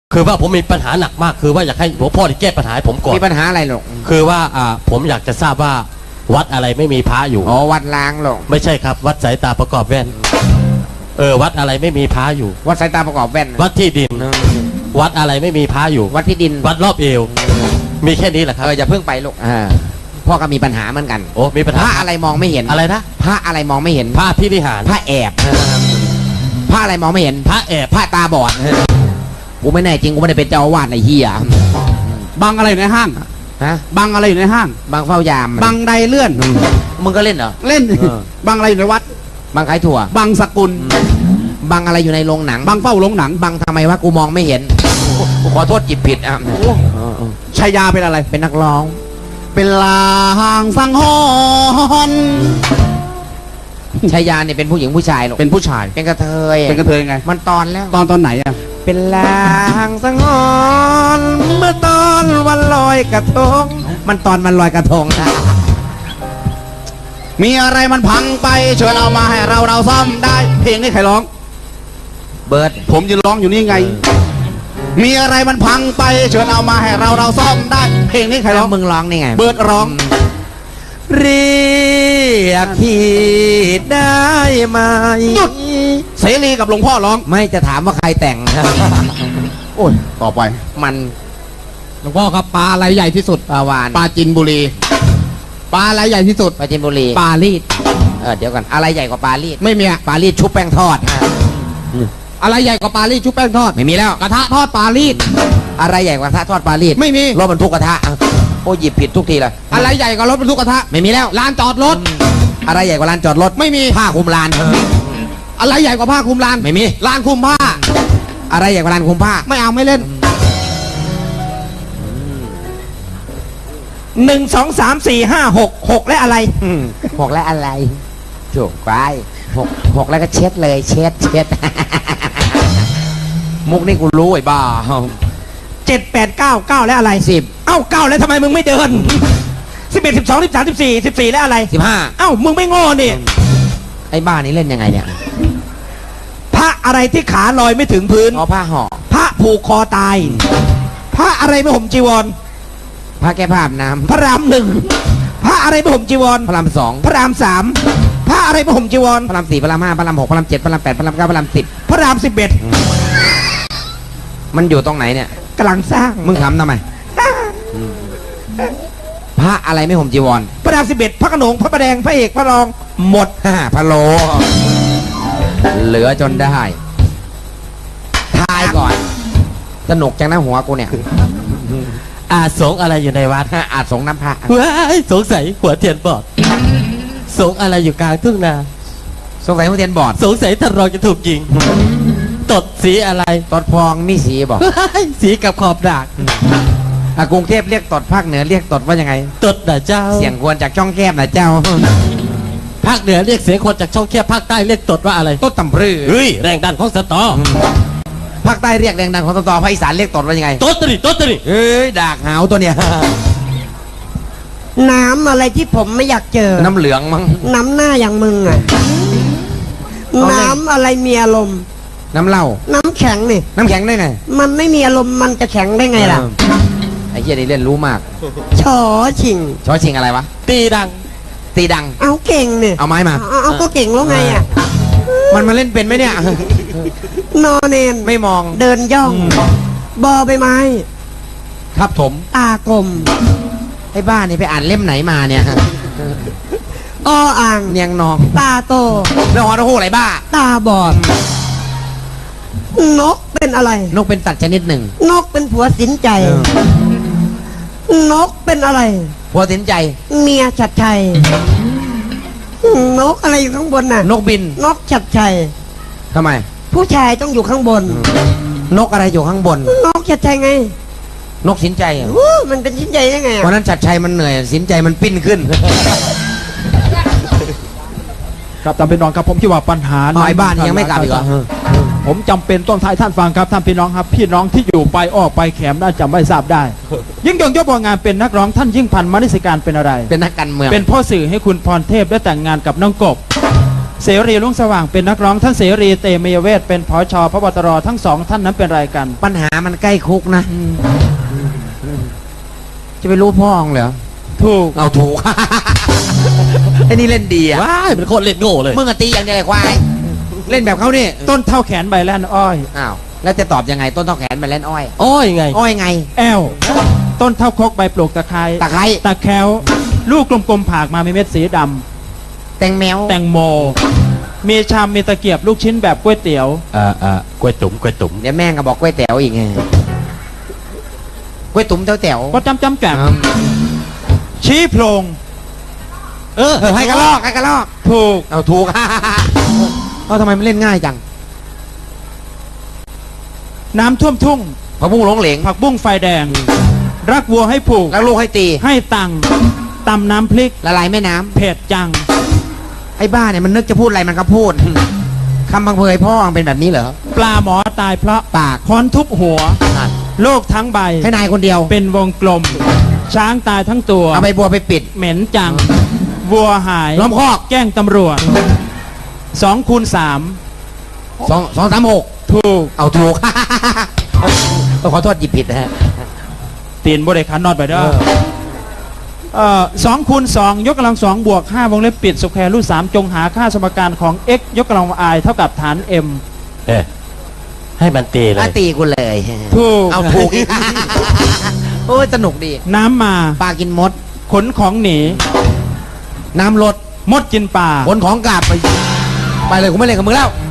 คือว่าผมมีปัญหาหนักมากคือว่าอยากให้หลวงพ่อที่แก้ปัญหาให้ผมก่อนมีปัญหาอะไรหรอกคือว่าผมอยากจะทราบว่าวัดอะไรไม่มีพระอยู่อ๋อวัดล้างหรอกไม่ใช่ครับวัดสายตาประกอบแว่นวัดอะไรไม่มีพระอยู่วัดสายตาประกอบแว่นวัดที่ดินวัดอะไรไม่มีพระอยู่วัดที่ดินวัดรอบเอวมีแค่นี้แหละครับอย่าเพิ่งไปลูกพ่อก็มีปัญหาเหมือนกันโอ้มีปัญหาพระอะไรมองไม่เห็นอะไรนะพระอะไรมองไม่เห็นพระพิริหารพระแอบพระอะไรมองไม่เห็นพระแอบพระตาบอดกูไม่แน่จริงกูไม่ได้เป็นเจ้าอาวาสไอ้เหี้ยบังอะไรอยู่ในห้างฮะบังอะไรอยู่ในห้างบังเฝ้ายามบังไดเลื่อนมึงก็เล่นเหรอเล่นบังอะไรอยู่ในวัดบังขายถั่วบังสกุลบังอะไรอยู่ในโรงหนังบังเฝ้าโรงหนังบังทำไมวะกูมองไม่เห็นกูขอโทษจิตผิดอ่ะชายาเป็นอะไรเป็นนักร้องเป็นลางสังหรณ์ชายาเนี่ยเป็นผู้หญิงผู้ชายหรอเป็นผู้ชายเป็นกระเทยเป็นกระเทยไงมันตอนแล้วตอนไหนอ่ะเป็นลางสังหรณ์เมื่อตอนวันลอยกระทงมันตอนวันลอยกระทงมีอะไรมันพังไปเชิญเอามาให้เราซ่อมได้เพลงนี้ใครร้องเบิร์ดผมจะร้องอยู่นี่ไงมีอะไรมันพังไปเชิญเอามาให้เราซ่อมได้เพลงนี้ใครร้องมึงร้องนี่ไงเบิร์ดร้องเรียกพี่ได้ไหมเสรีกับหลวงพ่อร้องไม่จะถามว่าใครแต่งโอ้ยต่อไปมันหลวงพ่อครับปลาอะไรใหญ่ที่สุดปลาวานปลาจินบุรีปลาอะไรใหญ่ที่สุดปลาจินบุรีปลาลีดเดี๋ยวกันอะไรใหญ่กว่าปลาลีดไม่มีปลาลีดชุบแป้งทอดอะไรใหญ่กว่าปลาลีดชุบแป้งทอดไม่มีแล้วกระทะทอดปลาลีดอะไรใหญ่กว่ากระทะทอดปลาลีดไม่มีรถบรรทุกกระทะโอ้หยิบผิดทุกทีเลยอะไรใหญ่กว่ารถบรรทุกกระทะไม่มีแล้วลานจอดรถอะไรใหญ่กว่าลานจอดรถไม่มีผ้าคลุมลานอะไรใหญ่กว่าผ้าคลุมลานไม่มีลานคลุมผ้าอะไรใหญ่กว่าลานคลุมผ้าไม่เอาไม่เล่น1 2 3 4 5 6และอะไร 6และอะไรถูกไป6แล้วก็เช็ดเลยเช็ดมุกนี่กูรู้ไอ้บ้า 7 8 9 9และอะไร 10 เอ้า9แล้วทำไมมึงไม่เดิน11 12 13 14และอะไร 15 เอ้ามึงไม่โง่นี่ไอ้บ้านี่เล่นยังไงเนี่ยพระอะไรที่ขาลอยไม่ถึงพื้นผ้าห่อพระผูกคอตายพระอะไรไม่ห่มจีวรพระแก้ผ้าอาบน้ำพระราม1พระอะไรไม่ห่มจีวรพระราม2 พระราม3พระอะไรไม่ห่มจีวรพระราม4พระราม5พระราม6พระราม7พระราม8พระราม9พระราม10 พระราม11 มันอยู่ตรงไหนเนี่ยกำลังสร้างมึงทำไมพระอะไรไม่ห่มจีวรพระราม11พระขนงพระประแดงพระเอกพระรองหมดพระโลเหลือจนได้ทายก่อนสนุกจังนะหัวกูเนี่ยสงอะไรอยู่ในวัดสงน้ำพระว้ายสงสัยหัวเทียนบอดสงอะไรอยู่กลางทุ่งนาสงสัยหัวเทียนบอดสงสัยท่านรองจะถูกยิงตดสีอะไรตดพองมีสีบอกสีกับขอบดากกรุงเทพเรียกตดภาคเหนือเรียกตดว่ายังไงตดนะเจ้าเสียงควรจากช่องแคบนะเจ้าภาคเหนือเรียกเสียงคนจากช่องแคบภาคใต้เรียกตดว่าอะไรตดตำรือเฮ้ยแรงดันของสตอภาคใต้เรียกแรงดันของสตอภาคอีสานเรียกตดว่ายังไงตดตริเฮ้ยดากหาวตัวเนี้ยน้ำอะไรที่ผมไม่อยากเจอน้ำเหลืองมั้งน้ำหน้าอย่างมึงอ่ะน้ำอะไรมีอารมณ์น้ำเหล้าน้ำแข็งนี่น้ำแข็งได้ไงมันไม่มีอารมณ์มันจะแข็งได้ไงล่ะไอ้เหี้ยนี่เล่นรู้มากชอชิงอะไรวะตีดังเอาเก่งเนี่ยเอาไม้มาเอาก็เก่งแล้วไงอ่ะมันมาเล่นเป็นไหมเนี่ยนอนเนนไม่มองเดินย่องบอใบไม้ครับถมตากลมไอ้บ้านี่ไปอ่านเล่มไหนมาเนี่ยอ่างเนียงนองตาโตแล้วหอโหอะไรบ้าตาบอดนกเป็นอะไรนกเป็นสัตว์ชนิดหนึ่งนกเป็นผัวสินใจนกเป็นอะไรผัวสินใจเมียฉัดชัยนกอะไรอยู่ข้างบนน่ะนกบินนกฉัดชัยทำไมผู้ชายต้องอยู่ข้างบนนกอะไรอยู่ข้างบนนกฉัดชัยไงนกสินใจมันเป็นสินใจยังไงวันนั้นฉัดชัยมันเหนื่อยสินใจมันปิ้นขึ้นครับท่านพี่น้องครับผมคิดว่าปัญหาในบ้านยังไม่กลับอีกเหรอผมจำเป็นต้องทายท่านฟังครับท่านพี่น้องครับพี่น้องที่อยู่ไปออกไปแขมน่าจะไม่ทราบได้ยิ่งยงยศงานเป็นนักร้องท่านยิ่งพันธ์มณิสการเป็นอะไรเป็นนักการเมืองเป็นพ่อสื่อให้คุณพรเทพได้แต่งงานกับน้องกบเสรีรุ่งสว่างเป็นนักร้องท่านเสรีเตมียเวทเป็นผชพบตรทั้งสองท่านนั้นเป็นอะไรกันปัญหามันใกล้คุกนะ จะไปรู้พ่อของเหรอถูกเอาถูก ไอ้นี่เล่นดีอ่ะว้ายเป็นคนเล่นโง่เลยมึงอะตีอย่างเดียวเลยควาย เล่นแบบเขานี่ต้นเท่าแขนใบแล่นอ้อยอ้าว แล้วจะตอบยังไงต้นเท่าแขนมาเล่นอ้อยอ้อยไงอ้อยไงแอลต้นเท่าคกใบปลูกตะไคร้ตะไคร้ตะแคร้วลูกกลมๆผากมามีเม็ดสีดแตงแมวำแตงโม มีชามมีตะเกียบลูกชิ้นแบบก๋วยเตี๋ยวกล้วยตุ๋มกล้วยตุ๋มเดี๋ยวแม่งก็บอกกล้วยแต๋วอีกไงกล้วยตุ๋มแต๋วก็จำแจ่มชี้โพรงให้กระลอกให้กระลอกถูกเอาถูก เอาทำไมมันเล่นง่ายจังน้ำท่วมทุ่งพะพุ่งหลงเหลงผักบุ้งไฟแดง รักวัวให้ผูกแล้วลูกให้ตีให้ตังค์ตำน้ำพริกละลายแม่น้ำเผ็ดจังไอ้บ้าเนี่ยมันนึกจะพูดอะไรมันก็พูด คำพังเพยพ่อมันเป็นแบบนี้เหรอปลาหมอตายเพราะปากค้อนทุบหัวนั่นโลกทั้งใบให้นายคนเดียวเป็นวงกลม ช้างตายทั้งตัวเอาใบบัวไปปิดเหม็นจัง วัวหายล้อมคอกแกล้งตำรวจ2 คูณ 3 2 3 6 ถูกเอาถูก ขอโทษหยิบผิดนะฮะตีนบริขารนอดไปเด้อ2 คูณ 2 ยกกำลัง 2 บวก 5 วงเล็บปิดสแควร์รูท 3 จงหาค่าสมการของ x ยกกำลัง i เท่ากับฐาน m ให้มันตีเลยตีกูเลยถูกเอาถูกอีก โอ้ยสนุกดีน้ำมาปลากินมดขนของหนีน้ำลดมดกินปลาขนของกลับไปเลยกูไม่เล่นกับมึงแล้ว